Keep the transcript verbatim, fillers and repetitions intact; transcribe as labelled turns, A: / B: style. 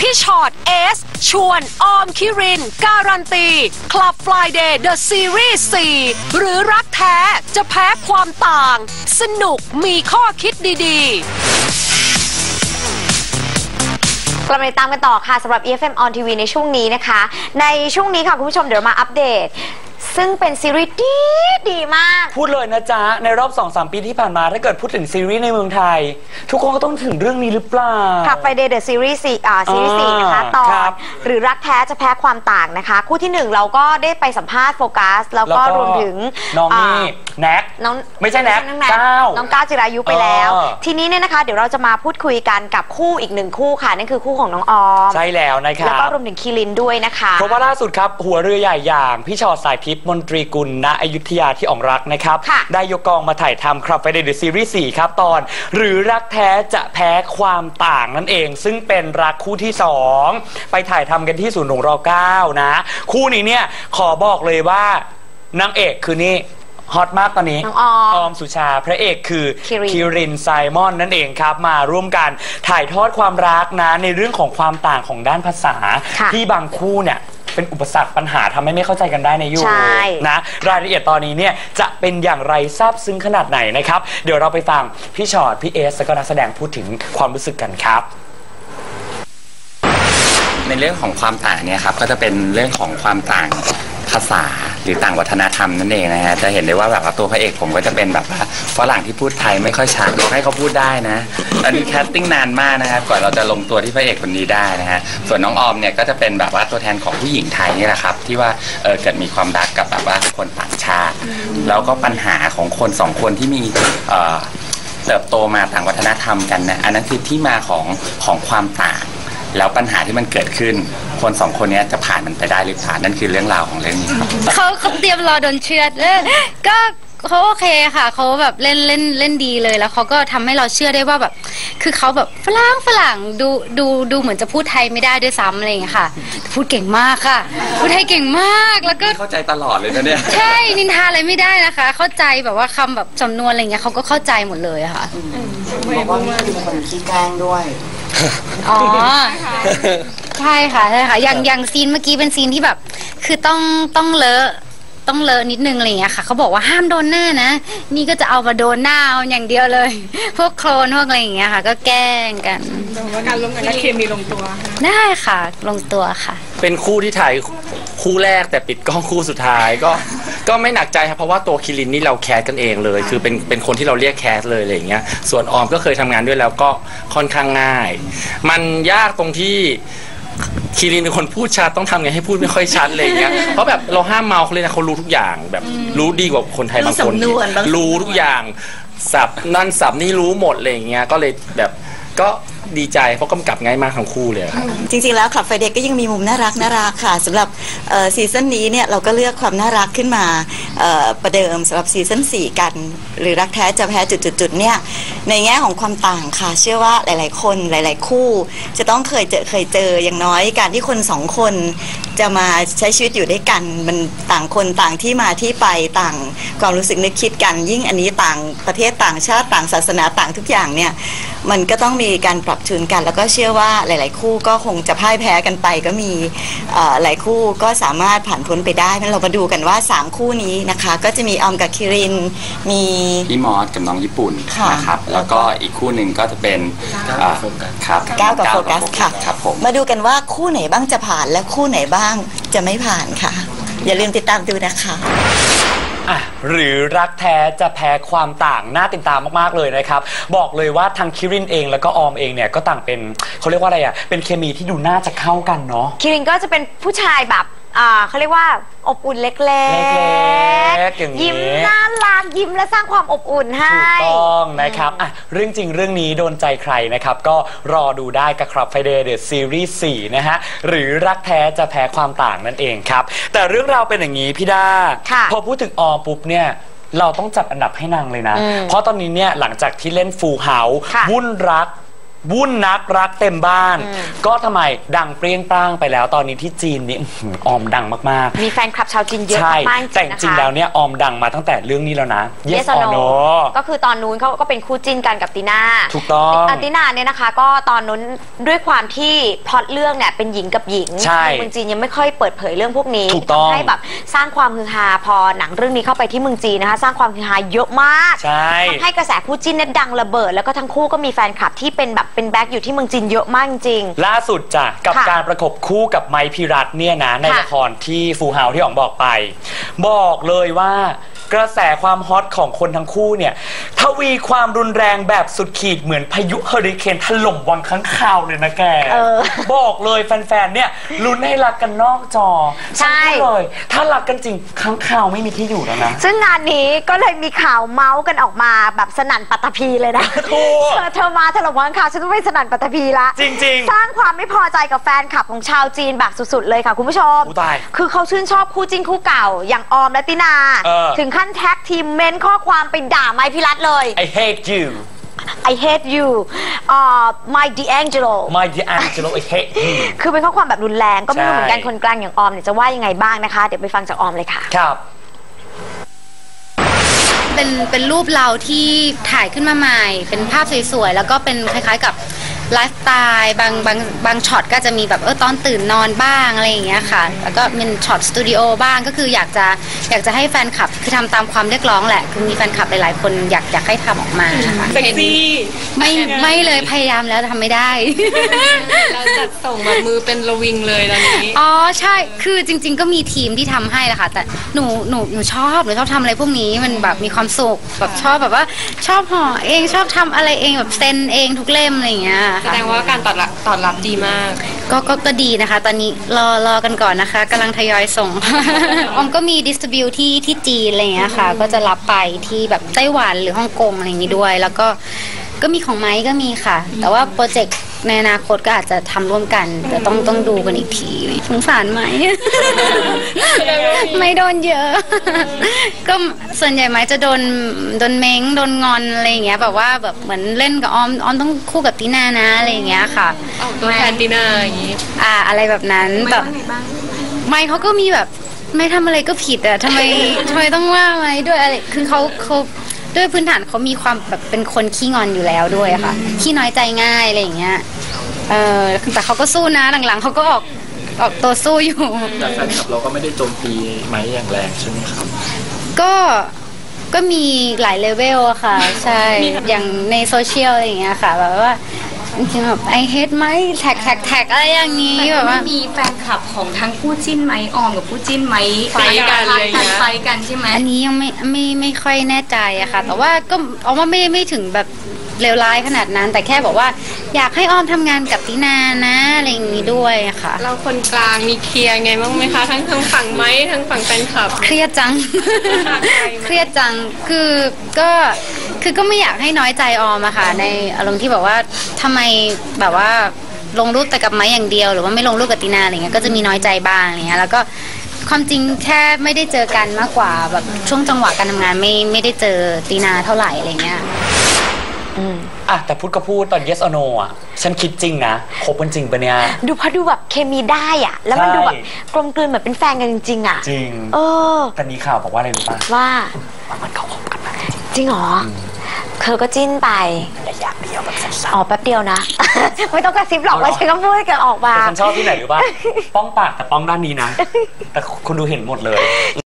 A: พี่ชอตเอสชวนออมคิรินการันตี Club Friday The Series สี่ หรือรักแท้จะแพ้ความต่างสนุกมีข้อคิดดีๆ
B: กลับมาติดตามกันต่อค่ะสำหรับ อี เอฟ เอ็ม On ที วี ในช่วงนี้นะคะในช่วงนี้ค่ะคุณผู้ชมเดี๋ยวมาอัปเดตซึ่งเป็นซีรีส์ดีดีมาก
C: พูดเลยนะจ๊ะในรอบ สองสาม ปีที่ผ่านมาถ้าเกิดพูดถึงซีรีส์ในเมืองไทยทุกคนก็ต้องถึงเรื่องนี้หรือเปล่า
B: ค่ะ Friday The Series สี่อ่าซีรีส์สี่นะคะตอนหรือรักแท้จะแพ้ความต่างนะคะคู่ที่หนึ่งเราก็ได้ไปสัมภาษณ์โฟกัสแล้วก็รวมถึง
C: น้องนี่แน็ก
B: น้อง
C: ไม่ใช่แน็กก้าว
B: น้องก้าวจิรายุไปแล้วทีนี้เนี่ยนะคะเดี๋ยวเราจะมาพูดคุยกันกับคู่อีกหนึ่งคู่ค่ะนั่นคือคู่ของน้องออม
C: ใช่แล้วนะครับ
B: แล้วก็รวมถึงคีรินด้วยนะคะ
C: เพราะว่าล่าสุดครับหัวเรือใหญ่อย่างพี่ชอตสายทิพย์มนตรีกุลณอยุธยาที่อ่องรักนะครับได้ยกกองมาถ่ายทำครับ Friday The Series สี่ครับตอนหรือรักแท้จะแพ้ความต่างนั่นเองซึ่งเป็นรักคู่ที่สองไปถ่ายทำกันที่ศูนย์หลวงรเก้านะคู่นี้เนี่ยขอบอกเลยว่านางเอกคือนี่ฮอตมากตอนนี้
B: ออ
C: อมสุชาพระเอกคือคิรินไซมอนนั่นเองครับมาร่วมกันถ่ายทอดความรักนะในเรื่องของความต่างของด้านภาษาที่บางคู่เนี่ยเป็นอุปสรรคปัญหาทำให้ไม่เข้าใจกันได้ในยุคนะรายละเอียดตอนนี้เนี่ยจะเป็นอย่างไรซาบซึ้งขนาดไหนนะครับเดี๋ยวเราไปฟังพี่ชอตพี่เอสแล้วก็นักแสดงพูดถึงความรู้สึกกันครับ
D: ในเรื่องของความต่างเนี่ยครับก็จะเป็นเรื่องของความต่างภาษาหรือต่างวัฒนธรรมนั่นเองนะฮะจะเห็นได้ว่าแบบว่าตัวพระเอกผมก็จะเป็นแบบว่าฝรั่งที่พูดไทยไม่ค่อยชัดให้เขาพูดได้นะอันนี้แคสติ้งนานมากนะครับก่อนเราจะลงตัวที่พระเอกคนนี้ได้นะฮะส่วนน้องออมเนี่ยก็จะเป็นแบบว่าตัวแทนของผู้หญิงไทยนี่แหละครับที่ว่าเออเกิดมีความรักกับแบบว่าคนต่างชาติแล้วก็ปัญหาของคนสองคนที่มีเอ่อเติบโตมาต่างวัฒนธรรมกันนะอันนั้นคือที่มาของของความต่างแล้วปัญหาที่มันเกิดขึ้นคนสองคนนี้จะผ่านมันไปได้หรือเปล่านั่นคือเรื่องราวของเรื่องนี้ครับ
E: เขาเขาเตรียมรอโดนเชือดก็เขาโอเคค่ะเขาแบบเล่นเล่นเล่นดีเลยแล้วเขาก็ทำให้เราเชื่อได้ว่าแบบคือเขาแบบฝรั่งฝรั่งดูดูดูเหมือนจะพูดไทยไม่ได้ด้วยซ้ำอะไรอย่างเงี้ยค่ะพูดเก่งมากค่ะพูดไทยเก่งมากแล้วก็
D: เข้าใจตลอดเลยนะเนี่ย
E: ใช่นินทาอะไรไม่ได้นะคะเข้าใจแบบว่าคำแบบจำนวนอะไรเงี้ยเขาก็เข้าใจหมดเลยค่ะ
F: บอกว่านี่คือคนขี้แกล้งด้วย
E: อ๋อใช่ค่ะใช่ค่ะอย่างอย่างซีนเมื่อกี้เป็นซีนที่แบบคือต้องต้องเลอะต้องเลอะนิดนึงอะไรเงี้ยค่ะเขาบอกว่าห้ามโดนหน้านะนี่ก็จะเอามาโดนหน้าเอาอย่างเดียวเลยพวกโคลนพวกอะไรอย่างเงี้ยค่ะก็แกล้งกัน
A: แต่ว่าการร่วมงานและเคมีลงตัว
E: ได้ค่ะลงตัวค่ะ
G: เป็นคู่ที่ถ่ายคู่แรกแต่ปิดกล้องคู่สุดท้ายก็ก็ไม่หนักใจครับเพราะว่าตัวคิรินนี่เราแคสกันเองเลยคือเป็นเป็นคนที่เราเรียกแคสเลยอะไรอย่างเงี้ยส่วนออมก็เคยทำงานด้วยแล้วก็ค่อนข้างง่ายมันยากตรงที่คิรินเป็นคนพูดชัดต้องทำไงให้พูดไม่ค่อยชัดอะไรอย่างเงี้ยเพราะแบบเราห้ามเมาเขาเลยนะเขารู้ทุกอย่างแบบรู้ดีกว่าคนไทยบางคนรู้ทุกอย่างสับนั่นสับนี่รู้หมดอะไรอย่างเงี้ยก็เลยแบบก็ดีใจเพราะกำกับง่ายมากทั้งคู่เลยครับ
F: จริงๆแล้ว Club Friday ก็ยังมีมุมน่ารักน่ารักค่ะสำหรับซีซั่นนี้เนี่ยเราก็เลือกความน่ารักขึ้นมาประเดิมสำหรับซีซั่นสี่กันหรือรักแท้จะแพ้จุดๆเนี่ยในแง่ของความต่างค่ะเชื่อว่าหลายๆคนหลายๆคู่จะต้องเคยเจอเคยเจออย่างน้อยการที่คนสองคนจะมาใช้ชีวิตอยู่ด้วยกันมันต่างคนต่างที่มาที่ไปต่างความรู้สึกนึกคิดกันยิ่งอันนี้ต่างประเทศต่างชาติต่างศาสนาต่างทุกอย่างเนี่ยมันก็ต้องมีการปรับจูนกันแล้วก็เชื่อว่าหลายๆคู่ก็คงจะพ่ายแพ้กันไปก็มีหลายคู่ก็สามารถผ่านพ้นไปได้งั้นเรามาดูกันว่าสามคู่นี้นะคะก็จะมีออมกับคิรินมี
D: พี่มอสกับน้องญี่ปุ่นนะครับแล้วก็อีกคู่หนึ่งก็จะเป็นครับ
F: ก้าวกับโฟกัสค่ะ
D: ครับผม
F: มาดูกันว่าคู่ไหนบ้างจะผ่านและคู่ไหนบ้างจะไม่ผ่านค่ะอย่าลืมติดตามดูนะคะ
C: อ่ะหรือรักแท้จะแพ้ความต่างน่าติดตามมากๆเลยนะครับบอกเลยว่าทางคิรินเองแล้วก็ออมเองเนี่ยก็ต่างเป็นเขาเรียกว่าอะไรอ่ะเป็นเคมีที่ดูน่าจะเข้ากันเนาะ
B: คิรินก็จะเป็นผู้ชายแบบอ่าเขาเรียกว่าอบอุ่นเล็กๆยิ้มน่ารักยิ้มและสร้างความอบอุ่นให้
C: ถูกต้องนะครับอ่ะเรื่องจริงเรื่องนี้โดนใจใครนะครับก็รอดูได้กับ Club Friday The Series สี่นะฮะหรือรักแท้จะแพ้ความต่างนั่นเองครับแต่เรื่องราวเป็นอย่างนี้พี่ดาพอพูดถึงออปุ๊บเนี่ยเราต้องจัดอันดับให้นางเลยนะเพราะตอนนี้เนี่ยหลังจากที่เล่น Full House วุ่นรักวุ่นนักรักเต็มบ้าน ก็ทำไมดังเปรี้ยงปร้างไปแล้วตอนนี้ที่จีนนี่ออมดังมาก
B: ๆมีแฟนคลับชาวจีนเยอะมากๆ
C: แต่จริงแล้วเนี่ยออมดังมาตั้งแต่เรื่องนี้แล้วนะ Yes or No
B: ก็คือตอนนู้นเขาก็เป็นคู่จิ้นกันกับตีน่า
C: ถูกต้อง
B: ตีน่าเนี่ยนะคะก็ตอนนู้นด้วยความที่พล็อตเรื่องเนี่ยเป็นหญิงกับหญิงเมืองจีนยังไม่ค่อยเปิดเผยเรื่องพวกนี้ทำให้แบบสร้างความฮือฮาพอหนังเรื่องนี้เข้าไปที่เมืองจีนนะคะสร้างความฮือฮาเยอะมากทำให้กระแสคู่จิ้นเนี่ยดังระเบิดแล้วก็ทั้งคู่ก็มีแฟนคลับที่เป็นแบบเป็นแบ็คอยู่ที่เมืองจีนเยอะมากจริง
C: ล่าสุดจ้ะกับการประกบคู่กับไมค์พิรัตน์เนี่ยนะในละครที่ฟูเฮาที่อ๋องบอกไปบอกเลยว่ากระแสความฮอตของคนทั้งคู่เนี่ยทวีความรุนแรงแบบสุดขีดเหมือนพายุเฮอริเคนถล่มวังค้างคาวเลยนะแกบอกเลยแฟนๆเนี่ยลุ้นให้รักกันนอกจอใช่เลยถ้ารักกันจริงค้างคาวไม่มีที่อยู่แล้วนะ
B: ซึ่งงานนี้ก็เลยมีข่าวเมาส์กันออกมาแบบสนั่นปัตตภีเลยนะเธอเธอมาถล่มวังค้างฉันต้องไปสนั่นปัตตภีละ
C: จริง
B: ๆสร้างความไม่พอใจกับแฟนคลับของชาวจีนแบบสุดๆเลยค่ะคุณผู้ชมคือเขาชื่นชอบคู่จิ้นคู่เก่าอย่างออมและตินาถึงขั้นแท็กทีมเมนข้อความไปด่าไมค์พิรัตน์เลย
C: I hate you
B: I hate you uh, my D'Angelo
C: my D'Angelo I hate you
B: คือเป็นข้อความแบบรุนแรงก็ไม่รู้เหมือนกันคนกลางอย่างออมเนี่ยจะว่ายังไงบ้างนะคะเดี๋ยวไปฟังจากออมเลยค่ะ
C: ครับ
E: เป็นเป็นรูปเราที่ถ่ายขึ้นมาใหม่เป็นภาพสวยๆแล้วก็เป็นคล้ายๆกับไลฟ์สไตล์บางบางบางช็อตก็จะมีแบบเออตอนตื่นนอนบ้างอะไรอย่างเงี้ยค่ะแล้วก็เป็นช็อตสตูดิโอบ้างก็คืออยากจะอยากจะให้แฟนคลับคือทำตามความเรียกร้องแหละคือมีแฟนคลับหลายๆคนอยากอยากให้ทำออกมาค่ะ
H: เซ็กซี่
E: ไม่ไม่เลยพยายามแล้วทำไม่ได้
H: เราจัดส่งแบบมือเป็นระวิงเลยตอนนี้
E: อ๋อใช่คือจริงๆก็มีทีมที่ทำให้แหละค่ะแต่หนูหนูหนูชอบหนูชอบทำอะไรพวกนี้มันแบบมีความสุขแบบชอบแบบว่าชอบห่อเองชอบทำอะไรเองแบบเซ็นเองทุกเล่มอะไรอย่างเงี้ย
H: แสดงว่าการตอบรับตอบรับดีมาก
E: ก็ก็ก็ดีนะคะตอนนี้รอรอกันก่อนนะคะกำลังทยอยส่งออมก็มีดิสติบิวที่ที่จีนอะไรอย่างเงี้ยค่ะก็จะรับไปที่แบบไต้หวันหรือฮ่องกงอะไรอย่างงี้ด้วยแล้วก็ก็มีของไม้ก็มีค่ะแต่ว่าโปรเจกต์ในอนาคตก็อาจจะทำร่วมกันแต่ต้องต้องดูกันอีกทีสงสารไหมไม่โดนเยอะก็ส่วนใหญ่ไหมจะโดนโดนเม้งโดนงอนอะไรอย่างเงี้ยแบบว่าแบบเหมือนเล่นกับออมออมต้องคู่กับตีน่านะอะไรอย่างเงี้ยค่ะ
H: ตัวแทนตีน่าอย่างงี้
E: อ่าอะไรแบบนั้นแบบไม่เขาก็มีแบบไม่ทำอะไรก็ผิดอะทำไมทำไมต้องว่าไหมด้วยอะไรคือเขาเขาด้วยพื้นฐานเขามีความแบบเป็นคนขี้งอนอยู่แล้วด้วยค่ะขี้น้อยใจง่ายอะไรอย่างเงี้ยเออแต่เขาก็สู้นะหลังๆเขาก็ออกออกตัวสู้อยู่
G: แต่แฟนคลับเราก็ไม่ได้โจมตีไหมอย่างแรงใช่ไหมครับ
E: ก็ก็มีหลายเลเวลอะค่ะใช่อย่างในโซเชียลอะไรอย่างเงี้ยค่ะแบบว่าจริงๆแบบไอเฮดไหมแท็กแท็กแท็กอะไรอย่างนี้แบบว่า
H: มีแฟนคลับของทั้งคู่จิ้นไหมออมกับคู่จิ้นไหมไฟกันอะไรอย่างเงี้ยไฟกันใช่ไหม
E: อันนี้ยังไม่ไม่ไม่ค่อยแน่ใจอะค่ะแต่ว่าก็เอาว่าไม่ไม่ถึงแบบเลวร้ายขนาดนั้นแต่แค่บอกว่าอยากให้ออมทำงานกับตินานะอะไรอย่างนี้ด้วยค่ะ
H: เราคนกลางมีเคลียร์ไงบ้างไหมคะทั้งทั้งฝั่งไหมทั้งฝั่งแฟนคลับ
E: เครียดจังเครียดจังคือก็คือก็ไม่อยากให้น้อยใจออมอะค่ะในอารมณ์ที่แบบว่าทำไมแบบว่าลงรูปแต่กับไม้อย่างเดียวหรือว่าไม่ลงรูปกับตินาอะไรเงี้ยก็จะมีน้อยใจบ้างอะไรเงี้ยแล้วก็ความจริงแค่ไม่ได้เจอกันมากกว่าแบบช่วงจังหวะการทำงานไม่ไม่ได้เจอตินาเท่าไหร่อะไรเงี้ย
C: อืมอ่ะแต่พูดก็พูดตอน yes or no อ่ะฉันคิดจริงนะคบกันจริงปะเนี่ย
B: ดูพอดูแบบเคมีได้อ่ะแล้วมันดูแบบกลมกลืนเหมือนเป็นแฟนกันจริงๆอ่ะ
C: จริง
B: เออ
C: แต่มีข่าวบอกว่าอะไรรู้ป่ะ
B: ว่า
C: มันเขาคบกันมา
B: จริงเหรอเธอก็จิ้นไประ
C: ยะเดียวแบบสั้น
B: ๆอ๋อแป๊บเดียวนะไม่ต้องกระซิบหรอกว่าฉันก็พูดกันออกมา
C: แต่ฉันชอบที่ไหนรู้ป่ะป้องปากแต่ป้องด้านนี้นะแต่คุณดูเห็นหมดเลย